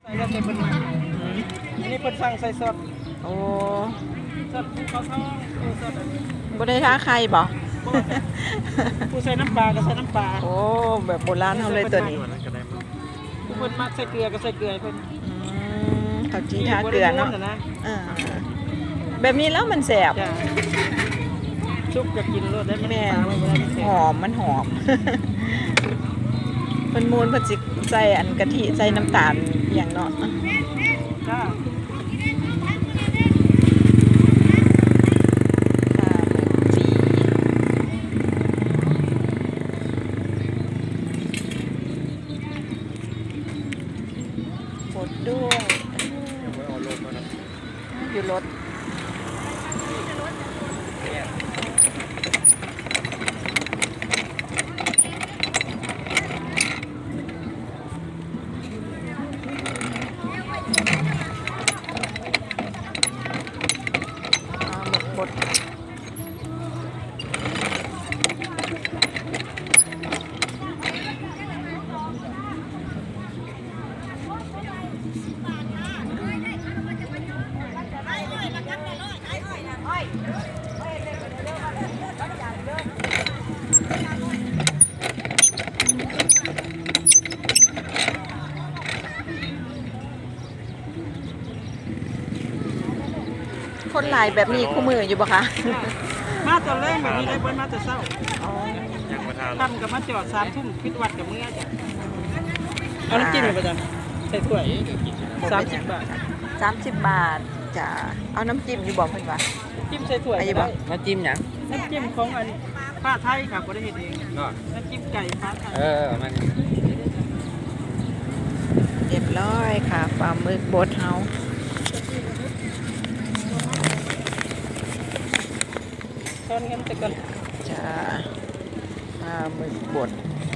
แล้วแต่เป็นมาอันนี้เป็นสั่งใส่สดโอ้สดเขาทอดสดบ่ได้ท้าใครบ่ผู้ใส่น้ำปลาก็ใส่น้ำปลาโอ้แบบโบราณเฮาเลยตัวนี้ผู้เพิ่นมักใส่เกลือก็ใส่เกลือเพิ่นข้าวจีทาเกลือเนาะแบบนี้แล้วมันแสบชุบจะกินรสได้แม่หอมมันหอมเพิ่นมูลเพิ่นสิใส่อันกะทิใส่น้ำตาลอย่างเนาะจ้าบดด้วยอยู่รถบดคนหลายแบบนี้คู่มืออยู่ปะคะมาตอนแรกแบบนี้ได้เบิ้ลมาแต่เช้าทำกับมาจอด3 ทุ่มพิดวัดกับเมื่อจ้ะเอาน้ำจิ้มไปจ้ะใส่ถ้วย30 บาท 30 บาทจะเอาน้ำจิ้มอยู่บอกเพื่อนว่าจิ้มใส่ถ้วยได้น้ำจิ้มหยังน้ำจิ้มของอันผ้าไทยครับบ่ได้เฮ็ดเองน้ำจิ้มไก่ผ้าไทยมันเรียบร้อยค่ะปลาหมึกบดเฮาตอนงั้นแต่ก่อนจะปลาหมึกบด